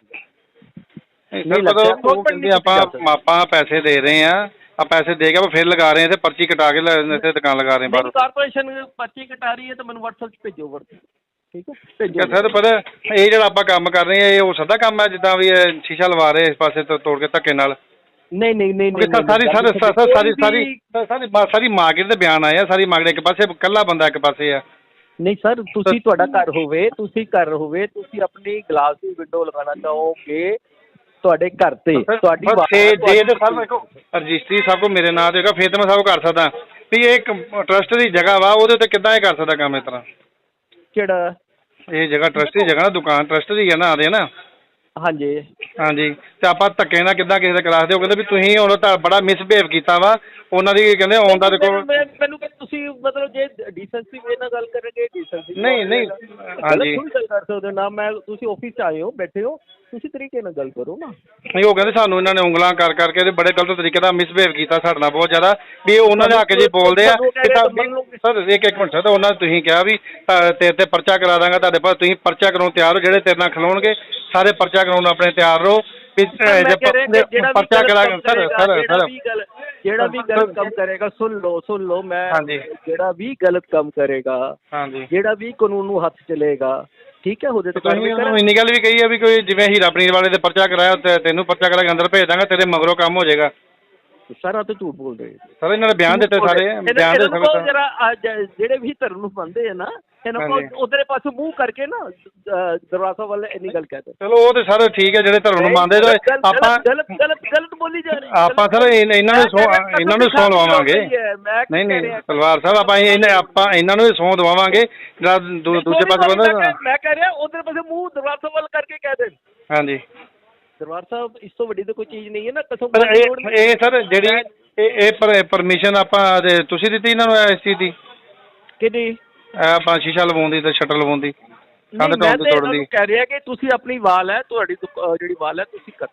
H: ਦੀ
G: ਸਰ
H: ਲੱਗਦਾ,
G: ਪਤਾ ਉਹ
H: open
G: ਕਹਿੰਦੇ
H: ਨਹੀਂ
G: ਆਪਾਂ
H: ਕੀਤੀ ਜਾ
G: ਆਪਾਂ ਪੈਸੇ ਦੇ ਰਹੇ ਆ ਆ ਪੈਸੇ ਦੇ ਕੇ ਆਪਾਂ ਫਿਰ ਲਗਾ ਰਹੇ ਆ ਤੇ ਪਰਚੀ ਕਟਾ ਕੇ ਲ- ਇੱਥੇ ਦੁਕਾਨ ਲਗਾ ਰਹੇ ਆ ਬਾਹਰ
H: ਨਹੀਂ ਕਾਰਪੋਰੇਸ਼ਨ ਪਰਚੀ ਕਟਾ ਰਹੀ ਹੈ ਤਾਂ ਮੈਨੂੰ WhatsApp 'ਚ ਭੇਜੋ ਵਰਤ ਠੀਕ ਹੈ ਭੇਜੋ
G: ਸਰ ਪਤਾ ਇਹ ਜਿਹੜਾ ਆਪਾਂ ਕੰਮ ਕਰ ਰਹੇ ਆ ਇਹ ਉਹ ਸਦਾ ਕੰਮ ਹੈ ਜਿੱਦਾਂ ਵੀ ਇਹ ਸ਼ੀਸ਼ਾ ਲਵਾ ਰਹੇ ਇਸ ਪਾਸੇ ਤੋਂ ਤੋੜ ਕੇ ਧੱਕੇ ਨਾਲ
H: ਨਹੀਂ ਨਹੀਂ ਨਹੀਂ
G: ਕਿਉਂਕਿ
H: ਨਹੀਂ
G: ਸਾਰੀ ਸਾਰੀ
H: ਨਹੀਂ,
G: ਸਾਰੀ ਸਾਰੀ
H: ਕੋਈ
G: ਸਾਰੀ
H: ਵੀ-
G: ਸਾਰੀ ਸਾਰੀ ਮਾਰਕੀਟ ਦੇ ਬਿਆਨ ਆਏ ਆ ਸਾਰੀ ਮਾਰਕੀਟ ਇੱਕ ਪਾਸੇ ਇਕੱਲਾ ਬੰਦਾ ਇੱਕ ਪਾਸੇ ਆ
H: ਨਹੀਂ ਸਰ ਤੁਸੀਂ ਤੁਹਾਡਾ ਘਰ ਹੋਵੇ ਤੁਸੀਂ ਘਰ ਹੋਵੇ ਤੁਸੀਂ ਆਪਣੀ ਗਲਾਸ ਦੀ ਵਿੰਡੋ ਲਗਾਉਣਾ ਚਾਹੋਗੇ ਤੁਹਾਡੇ ਘਰ ਤੇ ਤੁਹਾਡੀ
G: ਬਸ
H: ਬਾਤ-
G: ਜੇ ਜੇ ਤੇ ਸਰ
H: ਤੁਹਾਡੀ-
G: ਦੇਖੋ ਰਜਿਸਟਰੀ ਸਭ ਕੋ ਮੇਰੇ ਨਾਂ ਤੇ ਹੋਗਾ ਫਿਰ ਤਾਂ ਮੈਂ ਸਭ ਕਰ ਸਕਦਾ ਵੀ ਇਹ ਇੱਕ ਟਰਸਟ ਦੀ ਜਗ੍ਹਾ ਵਾ ਉਹਦੇ ਉੱਤੇ ਕਿੱਦਾਂ ਇਹ ਕਰ ਸਕਦਾ ਕੰਮ ਇਸ ਤਰ੍ਹਾਂ
H: ਕਿਹੜਾ
G: ਇਹ ਜਗ੍ਹਾ ਟਰਸਟ ਦੀ ਜਗ੍ਹਾ ਨਾ ਦੁਕਾਨ ਟਰਸਟ ਦੀ ਹੈ ਨਾ ਆਦੇ ਨਾ
H: ਹਾਂਜੀ
G: ਹਾਂਜੀ ਤੇ ਆਪਾਂ ਧੱਕੇ ਨਾਲ ਕਿੱਦਾਂ ਕਿਸੇ ਦੇ ਕਰਾ ਦਿਓ ਕਹਿੰਦੇ ਵੀ ਤੁਸੀਂ ਹੁਣ ਤਾਂ ਬੜਾ ਮਿਸਬਿਹੇਵ ਕੀਤਾ ਵਾ ਉਹਨਾਂ ਦੀ ਕਹਿੰਦੇ ਆਉਣ ਦਾ ਦੇਖੋ
H: ਮੈਨੂੰ- ਮੈਨੂੰ ਮੈਨੂੰ ਕਿ ਤੁਸੀਂ ਮਤਲਬ ਜੇ ਡੀਸੈਂਸੀ ਵੇ ਨਾਲ ਗੱਲ ਕਰਨਗੇ ਡੀਸੈਂਸੀ
G: ਨਹੀਂ, ਨਹੀਂ, ਹਾਂਜੀ।
H: ਤੁਸੀਂ ਗੱਲ ਕਰ ਸਕਦੇ ਹੋ ਨਾ ਮੈਂ ਤੁਸੀਂ ਆਫਿਸ 'ਚ ਆਏ ਹੋ ਬੈਠੇ ਹੋ ਤੁਸੀਂ ਤਰੀਕੇ ਨਾਲ ਗੱਲ ਕਰੋ ਨਾ
G: ਨਹੀਂ ਉਹ ਕਹਿੰਦੇ ਸਾਨੂੰ ਇਹਨਾਂ ਨੇ ਉਂਗਲਾਂ ਕਰ ਕਰਕੇ ਤੇ ਬੜੇ ਗਲਤ ਤਰੀਕੇ ਨਾਲ ਮਿਸਬਿਹੇਵ ਕੀਤਾ ਸਾਡੇ ਨਾਲ ਬਹੁਤ ਜ਼ਿਆਦਾ ਵੀ ਇਹ ਉਹਨਾਂ ਦੇ ਹੱਕ 'ਚ ਬੋਲਦੇ ਆ ਕਿ ਤਾਂ ਸਰ ਇੱਕ ਇੱਕ ਮਿੰਟ ਸਰ ਉਹਨਾਂ ਨੇ ਤੁਸੀਂ ਕਿਹਾ ਵੀ ਅ, ਤੇਰੇ ਤੇ ਪਰਚਾ ਕਰਾ ਦਾਂਗਾ ਤੁਹਾਡੇ ਪਾਸ ਤੁਸੀਂ ਪਰਚਾ ਕਰਾਉਣ ਤਿਆਰ ਹੋ ਜਿਹੜੇ ਤੇਰੇ ਨਾਲ ਖਲੋਣਗੇ ਸਾਰੇ ਪਰਚਾ ਕਰਾਉਣ ਆਪਣੇ ਤਿਆਰ ਰਹੋ ਵੀ
H: ਮੈਂ
G: ਜੇ
H: ਕਹਿ ਰਿਹਾ ਕਿ ਜਿਹੜਾ ਵੀ
G: ਪਰਚਾ
H: ਗਲਤ
G: ਕਰਾ
H: ਕੰਮ
G: ਸਰ
H: ਕਰੇਗਾ,
G: ਸਰ
H: ਜਿਹੜਾ
G: ਸਰ
H: ਵੀ ਗਲਤ ਜਿਹੜਾ ਵੀ ਗਲਤ ਕੰਮ ਕਰੇਗਾ ਸੁਣ ਲਓ ਸੁਣ ਲਓ ਮੈਂ
G: ਹਾਂਜੀ।
H: ਜਿਹੜਾ ਵੀ ਗਲਤ ਕੰਮ ਕਰੇਗਾ
G: ਹਾਂਜੀ
H: ਜਿਹੜਾ ਵੀ ਕਾਨੂੰਨ ਨੂੰ ਹੱਥ ਚਲੇਗਾ ਠੀਕ ਹੈ ਉਹਦੇ ਤੇ
G: ਤੁਸੀਂ
H: ਕਾਰਵਾਈ
G: ਉਹਨੂੰ
H: ਕਰਾਂਗੇ।
G: ਇੰਨੀ ਗੱਲ ਵੀ ਕਹੀ ਆ ਵੀ ਕੋਈ ਜਿਵੇਂ ਹੀਰਾ ਪਨੀਰ ਵਾਲੇ ਦੇ ਪਰਚਾ ਕਰਾਇਆ ਤੇ ਤੈਨੂੰ ਪਰਚਾ ਕਰਾ ਕੇ ਅੰਦਰ ਭੇਜ ਦਾਂਗਾ ਤੇਰੇ ਮਗਰੋਂ ਕੰਮ ਹੋ ਜਾਏਗਾ
H: ਸਾਰਾ ਤਾਂ ਝੂਠ ਬੋਲ ਰਹੇ
G: ਸਰ ਇਹਨਾਂ ਨੇ ਬਿਆਨ ਦਿੱਤੇ ਸਾਰੇ ਬਿਆਨ ਦੇ ਸਕਦੇ
H: ਜਰਾ ਜਿਹੜੇ ਵੀ ਧਰਮ ਨੂੰ ਮੰਨਦੇ ਆ ਨਾ ਇਹਨਾਂ
G: ਹਾਂਜੀ।
H: ਕੋਲ ਉਧਰੇ ਪਾਸੇ ਮੂੰਹ ਕਰਕੇ ਨਾ ਅਹ, ਦਰਵਾਜ਼ਾ ਵੱਲ ਇੰਨੀ ਗੱਲ ਕਹਿੰਦੇ
G: ਚਲੋ ਉਹ ਤੇ ਸਰ ਠੀਕ ਹੈ ਜਿਹੜੇ ਧਰਮ ਨੂੰ ਮੰਨਦੇ ਤੇ ਆਪਾਂ
H: ਗਲਤ ਗਲਤ ਗਲਤ ਬੋਲੀ ਜਾ ਰਹੀ
G: ਆਪਾਂ ਸਰ ਇਨ- ਇਹਨਾਂ ਨੂੰ ਸੌ ਇਹਨਾਂ ਨੂੰ ਸੌਂ ਦਵਾਵਾਂਗੇ ਨਹੀਂ ਨਹੀਂ ਤਲਵਾਰ ਸਾਹਿਬ ਆਪਾਂ ਇਹਨਾਂ ਆਪਾਂ ਇਹਨਾਂ ਨੂੰ ਸੌਂ ਦਵਾਵਾਂਗੇ ਜਿਹੜਾ ਦੂ- ਦੂਜੇ ਪਾਸੇ ਬੰਦਾ
H: ਮੈਂ ਕਹਿ ਰਿਹਾ ਉਧਰ ਪਾਸੇ ਮੂੰਹ ਦਰਵਾਜ਼ਾ ਵੱਲ ਕਰਕੇ ਕਹਿ ਦੇ
G: ਹਾਂਜੀ
H: ਦਰਬਾਰ ਸਾਹਿਬ ਇਸ ਤੋਂ ਵੱਡੀ ਤਾਂ ਕੋਈ ਚੀਜ਼ ਨਹੀਂ ਹੈ ਨਾ ਕਸਮ
G: ਪਰ ਇਹ ਇਹ ਸਰ ਜਿਹੜੀ ਇਹ ਇਹ ਪਰਮਿਸ਼ਨ ਆਪਾਂ ਤੇ ਤੁਸੀਂ ਦਿੱਤੀ ਇਹਨਾਂ ਨੂੰ ਇਸ ਚੀਜ਼ ਦੀ
H: ਕਿਹਦੀ
G: ਇਹ ਆਪਾਂ ਸ਼ੀਸ਼ਾ ਲਵਾਉਣ ਦੀ ਤੇ ਸ਼ਟਰ ਲਵਾਉਣ ਦੀ ਕੰਧ
H: ਨਹੀਂ, ਮੈਂ
G: ਟਾਉਣ
H: ਤਾਂ
G: ਦੀ ਤੋੜਨ
H: ਇਹਨਾਂ
G: ਦੀ
H: ਨੂੰ ਕਹਿ ਰਿਹਾ ਕਿ ਤੁਸੀਂ ਆਪਣੀ ਵਾਲ ਹੈ ਤੁਹਾਡੀ ਦੁਕ- ਅਹ ਜਿਹੜੀ ਵਾਲ ਹੈ ਤੁਸੀਂ ਕਰ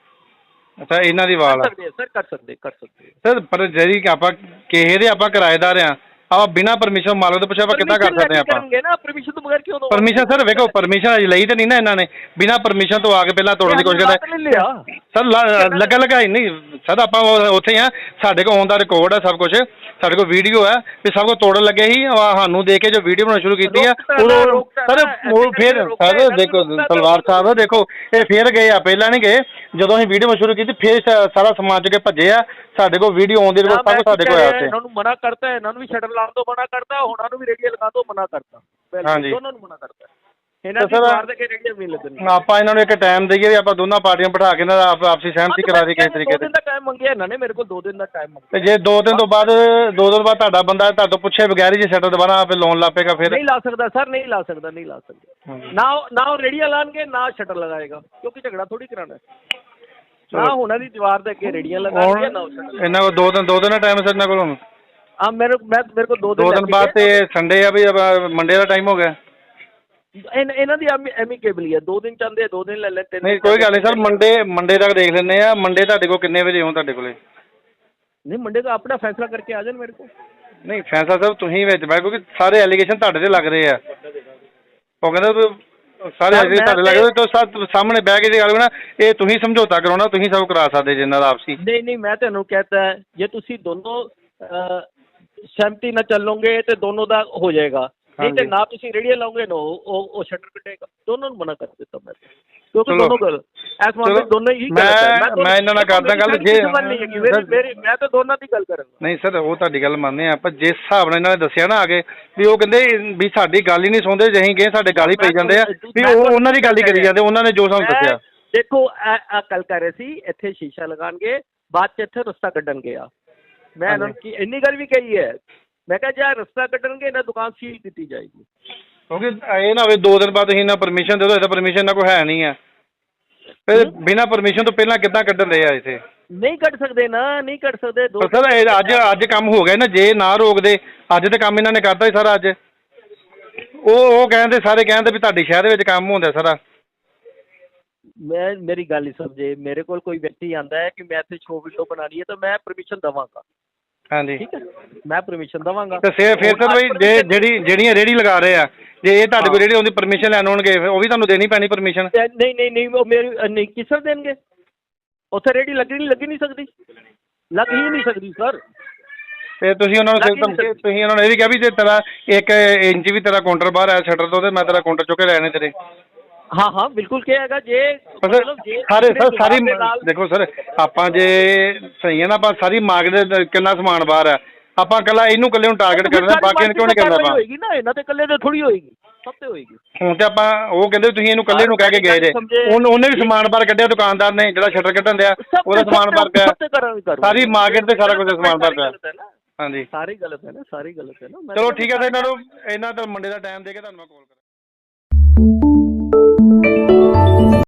H: ਸਕਦੇ
G: ਅੱਛਾ ਇਹਨਾਂ ਦੀ ਵਾਲ
H: ਕਰ
G: ਆ
H: ਸਕਦੇ ਸਰ ਕਰ ਸਕਦੇ ਕਰ ਸਕਦੇ
G: ਸਰ ਪਰ ਜਿਹੜੀ ਕਿ ਆਪਾਂ ਕਿਸੇ ਦੇ ਆਪਾਂ ਕਿਰਾਏਦਾਰ ਆ ਆਪਾਂ ਬਿਨਾਂ ਪਰਮਿਸ਼ਨ ਮਾਲਕ ਤੋਂ ਪੁੱਛਿਆ ਆਪਾਂ ਕਿੱਦਾਂ ਕਰ ਸਕਦੇ ਆਪਾਂ
H: ਕਰਨਗੇ ਨਾ ਪਰਮਿਸ਼ਨ ਤੋਂ ਬਗੈਰ ਕਿਉਂ ਦੋ
G: ਪਰਮਿਸ਼ਨ ਸਰ ਵੇਖੋ ਪਰਮਿਸ਼ਨ ਅਜੇ ਲਈ ਤਾਂ ਨਹੀਂ ਨਾ ਇਹਨਾਂ ਨੇ ਬਿਨਾਂ ਪਰਮਿਸ਼ਨ ਤੋਂ ਆ ਕੇ ਪਹਿਲਾਂ ਤੋੜਨ ਦੀ ਕੋਸ਼ਿਸ਼ ਕਰਦੇ
H: ਲੈ ਲਿਆ
G: ਸਰ ਲ- ਲੱਗਾ ਲਗਾਈ ਨਹੀਂ ਸਰ ਆਪਾਂ ਉਹ- ਉੱਥੇ ਆ ਸਾਡੇ ਕੋਲ ਆਨ ਦਾ ਰਿਕਾਰਡ ਹੈ ਸਭ ਕੁਝ ਸਾਡੇ ਕੋਲ ਵੀਡੀਓ ਹੈ ਵੀ ਸਭ ਕੁਝ ਤੋੜਨ ਲੱਗੇ ਸੀ ਆਹ ਸਾਨੂੰ ਦੇ ਕੇ ਜੋ ਵੀਡੀਓ ਬਣਾਉਣੀ ਸ਼ੁਰੂ ਕੀਤੀ ਆ ਉਦੋਂ ਸਰ ਉਹ ਫਿਰ ਸਰ ਦੇਖੋ ਤਲਵਾਰ ਸਾਹਿਬ ਦੇਖੋ ਇਹ ਫਿਰ ਗਏ ਆ ਪਹਿਲਾਂ ਨਹੀਂ ਗਏ ਜਦੋਂ ਅਸੀਂ ਵੀਡੀਓ ਸ਼ੁਰੂ ਕੀਤੀ ਫਿਰ ਸ- ਸਾਰਾ ਸਮਾਨ ਚੁੱਕ ਕੇ ਭੱਜੇ ਆ ਸਾਡੇ ਕੋਲ ਵੀਡੀਓ ਆਉਣ ਦੀ ਰਿਪੋਰਟ ਸਭ ਕੁਝ ਸਾਡੇ ਕੋਲ ਆਇਆ ਉੱਥੇ
H: ਇਹਨਾਂ ਨੂੰ ਮਨਾ ਕਰਤਾ ਇਹਨਾਂ ਨੂੰ ਵੀ ਸ਼ਟਰ ਲਾਉਣ ਤੋਂ ਮਨਾ ਕਰਤਾ ਉਹਨਾਂ ਨੂੰ ਵੀ ਰੇਡੀਓ ਲਗਾਉਣ ਤੋਂ ਮਨਾ ਕਰਤਾ ਪਹਿਲਾਂ
G: ਹਾਂਜੀ।
H: ਦੋਨਾਂ ਨੂੰ ਮਨਾ ਕਰਤਾ ਇਹਨਾਂ ਦੀ
G: ਸਰ,
H: ਮਾਰ ਦੇ ਕੇ ਰੇਡੀਓ ਵੀ ਨਹੀਂ ਲੱਗਣੀ
G: ਆਪਾਂ ਇਹਨਾਂ ਨੂੰ ਇੱਕ ਟਾਈਮ ਦਈਏ ਵੀ ਆਪਾਂ ਦੋਨਾਂ ਪਾਰਟੀਆਂ ਬਿਠਾ ਕੇ ਇਹਨਾਂ ਦਾ ਆਪ- ਆਪਸੀ ਸਹਿਮਤੀ ਕਰਾ ਦੀ ਕਿਸੇ ਤਰੀਕੇ
H: ਦੋ
G: ਤੇ
H: ਦਿਨ ਦਾ ਟਾਈਮ ਮੰਗਿਆ ਇਹਨਾਂ ਨੇ ਮੇਰੇ ਕੋਲ ਦੋ ਦਿਨ ਦਾ ਟਾਈਮ ਮੰਗਿਆ
G: ਤੇ ਜੇ ਦੋ ਦਿਨ ਤੋਂ ਬਾਅਦ ਦੋ ਦਿਨ ਬਾਅਦ ਤੁਹਾਡਾ ਬੰਦਾ ਤੁਹਾਡੇ ਤੋਂ ਪੁੱਛੇ ਬਗੈਰ ਹੀ ਜੇ ਸ਼ਟਰ ਦੁਬਾਰਾ ਆਪੇ ਲਾਉਣ ਲੱਗ ਪਏਗਾ ਫਿਰ
H: ਨਹੀਂ ਲਾ ਸਕਦਾ ਸਰ ਨਹੀਂ ਲਾ ਸਕਦਾ ਨਹੀਂ ਲਾ ਸਕਦਾ ਨਾ ਉਹ- ਨਾ ਉਹ ਰੇਡੀਓ ਲਾਣਗੇ ਨਾ ਸ਼ਟਰ ਲਗਾਏਗਾ ਕਿਉਂਕਿ ਝਗੜਾ ਥੋੜੀ ਕਰਾਣਾ ਨਾ ਉਹਨਾਂ ਦੀ ਦੀਵਾਰ ਦੇ ਅੱਗੇ ਰੇਡੀਓ ਲਗਾਣਗੇ ਨਾ ਉਹ ਸ਼ਟਰ
G: ਇਹਨਾਂ ਕੋਲ ਦੋ ਦਿਨ ਦੋ ਦਿਨ ਦਾ ਟਾਈਮ ਹੈ ਸਰ ਇਹਨਾਂ ਕੋਲ ਹੁਣ
H: ਆ ਮੇਰੇ ਮੈਂ ਮੇਰੇ ਕੋਲ ਦੋ ਦਿਨ
G: ਦੋ ਦਿਨ
H: ਲੱਗ
G: ਬਾਅਦ
H: ਗਏ।
G: ਤੇ ਸੰਡੇ ਆ ਵੀ ਮੰਡੇ ਦਾ ਟਾਈਮ ਹੋ ਗਿਆ
H: ਇਨ- ਇਹਨਾਂ ਦੀ ਐਮੀਕੇਬਲ ਹੀ ਹੈ ਦੋ ਦਿਨ ਚਾਹੁੰਦੇ ਆ, ਦੋ ਦਿਨ ਲੈ ਲੈ ਤਿੰਨ
G: ਨਹੀਂ
H: ਦਿਨ
G: ਕੋਈ ਗੱਲ ਨਹੀਂ ਸਰ
H: ਚਾਹੁੰਦੇ ਆ।
G: ਮੰਡੇ ਮੰਡੇ ਤੱਕ ਦੇਖ ਲੈਂਦੇ ਆ ਮੰਡੇ ਤੁਹਾਡੇ ਕੋਲ ਕਿੰਨੇ ਵਜੇ ਹੋ ਤੁਹਾਡੇ ਕੋਲੇ
H: ਨਹੀਂ ਮੰਡੇ ਦਾ ਆਪਣਾ ਫੈਸਲਾ ਕਰਕੇ ਆ ਜਾਣ ਮੇਰੇ ਕੋਲ
G: ਨਹੀਂ ਫੈਸਲਾ ਸਾਹਿਬ ਤੁਸੀਂ ਵਿੱਚ ਬੈ ਕਿਉਂਕਿ ਸਾਰੇ ਐਲੀਗੇਸ਼ਨ ਤੁਹਾਡੇ ਤੇ ਲੱਗ ਰਹੇ ਆ ਉਹ ਕਹਿੰਦਾ ਵੀ ਸਾਰੇ
H: ਸਰ,
G: ਐਲੀਗੇਸ਼ਨ
H: ਮੈਂ
G: ਤੁਹਾਡੇ ਲੱਗ
H: ਤੇ-
G: ਰਹੇ ਤਾਂ ਸਾ- ਸਾਹਮਣੇ ਬਹਿ ਕੇ ਜੇ ਗੱਲ ਹੋਣਾ ਇਹ ਤੁਸੀਂ ਸਮਝੌਤਾ ਕਰਾਉਣਾ ਤੁਸੀਂ ਸਭ ਕਰਾ ਸਕਦੇ ਜੇ ਇਹਨਾਂ ਦਾ ਆਪਸੀ
H: ਨਹੀਂ ਨਹੀਂ ਮੈਂ ਤੁਹਾਨੂੰ ਕਹਤਾ ਹੈ ਜੇ ਤੁਸੀਂ ਦੋਨੋਂ ਅਹ, ਸਹਿਮਤੀ ਨਾਲ ਚੱਲੋਗੇ ਤੇ ਦੋਨੋਂ ਦਾ ਹੋ ਜਾਏਗਾ ਨਹੀਂ ਤੇ
G: ਹਾਂਜੀ।
H: ਨਾ ਤੁਸੀਂ ਰੇਡੀਓ ਲਾਓਗੇ ਨਾ ਉਹ ਉਹ- ਉਹ ਸ਼ਟਰ ਕੱਟੇਗਾ ਦੋਨੋਂ ਨੂੰ ਮਨਾ ਕਰ ਦਿੱਤਾ ਮੈਂ ਕਿਉਂਕਿ
G: ਚਲੋ।
H: ਦੋਨੋਂ ਗੱਲ ਇਸ ਮਾਮਲੇ
G: ਚਲੋ,
H: ਦੋਨੋਂ ਹੀ
G: ਮੈਂ-
H: ਗਲਤ ਹੈ ਦੋਨੋਂ-
G: ਮੈਂ ਇਹਨਾਂ ਨਾਲ ਕਰਦਾ ਗੱਲ,
H: ਮੇਰੀ
G: ਜੇ-
H: ਕਿਸੇ ਵੱਲ ਨਹੀਂ ਹੈਗੀ, ਮੇਰੀ- ਮੇਰੀ- ਮੈਂ ਤਾਂ ਦੋਨਾਂ ਦੀ ਗੱਲ ਕਰਾਂਗਾ
G: ਨਹੀਂ ਸਰ ਉਹ ਤੁਹਾਡੀ ਗੱਲ ਮੰਨਦੇ ਆ ਪਰ ਜਿਸ ਹਿਸਾਬ ਨਾਲ ਇਹਨਾਂ ਨੇ ਦੱਸਿਆ ਨਾ ਆਗੇ ਵੀ ਉਹ ਕਹਿੰਦੇ ਵੀ ਸਾਡੀ ਗੱਲ ਹੀ ਨਹੀਂ ਸੁਣਦੇ ਜੇ ਅਸੀਂ ਗਏ ਸਾਡੇ ਗੱਲ ਹੀ ਪਈ ਜਾਂਦੇ ਆ ਵੀ ਉਹ ਉਹਨਾਂ ਦੀ ਗੱਲ ਹੀ ਕਰੀ ਜਾਂਦੇ ਉਹਨਾਂ ਨੇ ਜੋ ਸਾਨੂੰ
H: ਮੈਂ-
G: ਦੱਸਿਆ
H: ਦੇਖੋ ਆ ਕੱਲ ਕਰ ਰਹੇ ਸੀ ਇੱਥੇ ਸ਼ੀਸ਼ਾ ਲਗਾਣਗੇ ਬਾਅਦ ਚ ਇੱਥੇ ਰਸਤਾ ਕੱਢਣਗੇ ਆ ਮੈਂ ਇਹਨਾਂ ਨੂੰ ਕੀ ਇੰਨੀ ਗੱਲ ਵੀ ਕਹੀ ਹੈ ਮੈਂ ਕਿਹਾ ਜੇ ਇਹ ਰਸਤਾ ਕੱਢਣਗੇ ਇਹਨਾਂ ਦੁਕਾਨ ਸੀਲ ਕੀਤੀ ਜਾਏਗੀ।
G: ਕਿਉਂਕਿ ਇਹ ਨਾ ਹੋਵੇ ਦੋ ਦਿਨ ਬਾਅਦ ਤੁਸੀਂ ਇਹਨਾਂ ਪਰਮਿਸ਼ਨ ਦੇ ਦਿਓ, ਇਹਦਾ ਪਰਮਿਸ਼ਨ ਇਹਨਾਂ ਕੋਲ ਹੈ ਨਹੀਂ ਆ। ਫਿਰ ਬਿਨਾਂ ਪਰਮਿਸ਼ਨ ਤੋਂ ਪਹਿਲਾਂ ਕਿੱਦਾਂ ਕੱਢਣ ਦੇ ਆ ਇੱਥੇ?
H: ਨਹੀਂ ਕੱਢ ਸਕਦੇ ਨਾ, ਨਹੀਂ ਕੱਢ ਸਕਦੇ। ਦੋ
G: ਸਰ ਇਹ ਅੱਜ ਅੱਜ ਕੰਮ ਹੋ ਗਿਆ ਨਾ, ਜੇ ਨਾ ਰੋਕਦੇ ਅੱਜ ਤੇ ਕੰਮ ਇਹਨਾਂ ਨੇ ਕਰਤਾ ਸੀ ਸਾਰਾ। ਅੱਜ ਉਹ ਉਹ ਕਹਿੰਦੇ ਸਾਰੇ ਕਹਿੰਦੇ ਵੀ ਤੁਹਾਡੇ ਸ਼ਹਿਰ ਵਿੱਚ ਕੰਮ ਹੁੰਦਾ ਸਾਰਾ।
H: ਮੈਂ ਮੇਰੀ ਗੱਲ ਹੀ ਸਮਝੇ, ਮੇਰੇ ਕੋਲ ਕੋਈ ਵਿਅਕਤੀ ਆਂਦਾ ਹੈ ਕਿ ਮੈਂ ਇੱਥੇ ਸ਼ੋ ਵਿੰਡੋ ਬਣਾਉਣੀ ਹੈ ਤਾਂ ਮੈਂ ਪਰਮਿਸ਼ਨ ਦੇਵਾਂਗਾ।
G: ਹਾਂਜੀ
H: ਠੀਕ ਹੈ, ਮੈਂ ਪਰਮਿਸ਼ਨ ਦੇਵਾਂਗਾ।
G: ਤੇ ਫਿਰ ਫਿਰ ਸਰ ਬਈ ਜੇ ਜਿਹੜੀ ਜਿਹੜੀਆਂ ਰੇਹੜੀ ਲਗਾ ਰਹੇ ਆ, ਜੇ ਇਹ ਤੁਹਾਡੇ ਕੋਲ ਰੇਹੜੀ ਉਹਦੀ ਪਰਮਿਸ਼ਨ ਲੈਣ ਆਉਣਗੇ ਉਹ ਵੀ ਤੁਹਾਨੂੰ ਦੇਣੀ ਪੈਣੀ ਪਰਮਿਸ਼ਨ?
H: ਨਹੀਂ ਨਹੀਂ ਨਹੀਂ, ਉਹ ਮੇਰੀ ਨਹੀਂ ਕਿਸ ਤਰ੍ਹਾਂ ਦੇਣਗੇ? ਉੱਥੇ ਰੇਹੜੀ ਲੱਗੀ ਨਹੀਂ ਲੱਗੀ ਨਹੀਂ ਸਕਦੀ, ਲੱਗ ਹੀ ਨਹੀਂ ਸਕਦੀ ਸਰ।
G: ਤੇ ਤੁਸੀਂ ਉਹਨਾਂ ਨੂੰ ਧਮਕੀ ਤੁਸੀਂ ਉਹਨਾਂ ਨੂੰ ਇਹ ਵੀ ਕਿਹਾ ਵੀ ਜੇ ਤੇਰਾ ਇੱਕ ਇੰਚ ਵੀ ਤੇਰਾ ਕਾਊਂਟਰ ਬਾਹਰ ਆਇਆ ਸ਼ਟਰ ਤੋਂ ਤੇ ਮੈਂ ਤੇਰਾ ਕਾਊਂਟਰ ਚੁੱਕ ਕੇ ਲੈਣੇ ਤੇਰੇ?
H: ਹਾਂ ਹਾਂ ਬਿਲਕੁਲ ਕਿਹਾ ਜੇ
G: ਸਰ ਸਾਰੇ ਸਰ ਸਾਰੀ ਦੇਖੋ ਸਰ, ਆਪਾਂ ਜੇ ਸਹੀ ਹੈ ਨਾ, ਆਪਾਂ ਸਾਰੀ ਮਾਰਕੀਟ ਦੇ ਕਿੰਨਾ ਸਮਾਨ ਬਾਹਰ ਆ, ਆਪਾਂ ਇਕੱਲਾ ਇਹਨੂੰ ਇਕੱਲੇ ਨੂੰ ਟਾਰਗੇਟ ਕਰਨਾ, ਬਾਕੀ ਨੂੰ ਕਿਉਂ ਨਹੀਂ ਕਰਨਾ? ਆਪਾਂ
H: ਹੋਏਗੀ ਨਾ, ਇਹਨਾਂ ਤੇ ਇਕੱਲੇ ਤੇ ਥੋੜੀ ਹੋਏਗੀ, ਸਭ ਤੇ ਹੋਏਗੀ।
G: ਹੁਣ ਤੇ ਆਪਾਂ ਉਹ ਕਹਿੰਦੇ ਤੁਸੀਂ ਇਹਨੂੰ ਇਕੱਲੇ ਨੂੰ ਕਹਿ ਕੇ ਗਏ ਜੇ, ਉਹਨੇ ਉਹਨੇ ਵੀ ਸਮਾਨ ਬਾਹਰ ਕੱਢਿਆ ਦੁਕਾਨਦਾਰ ਨੇ, ਜਿਹੜਾ ਸ਼ਟਰ ਕੱਢਣ ਦਿਆ ਉਹਦਾ ਸਮਾਨ ਬਾਹਰ ਪਿਆ, ਸਾਰੀ ਮਾਰਕੀਟ ਤੇ ਸਾਰਾ ਕੁਝ ਸਮਾਨ ਬਾਹਰ ਪਿਆ। ਹਾਂਜੀ
H: ਸਾਰੀ ਗਲਤ ਹੈ ਨਾ, ਸਾਰੀ ਗਲਤ ਹੈ ਨਾ।
G: ਚਲੋ ਠੀਕ ਹੈ ਸਰ, ਇਹਨਾਂ ਨੂੰ ਇਹਨਾਂ ਦਾ ਮੰਡੇ ਦਾ ਟਾਈਮ ਦੇ ਕੇ ਤੁਹਾਨੂੰ ਮੈਂ ਕਾਲ ਕਰਾਂ।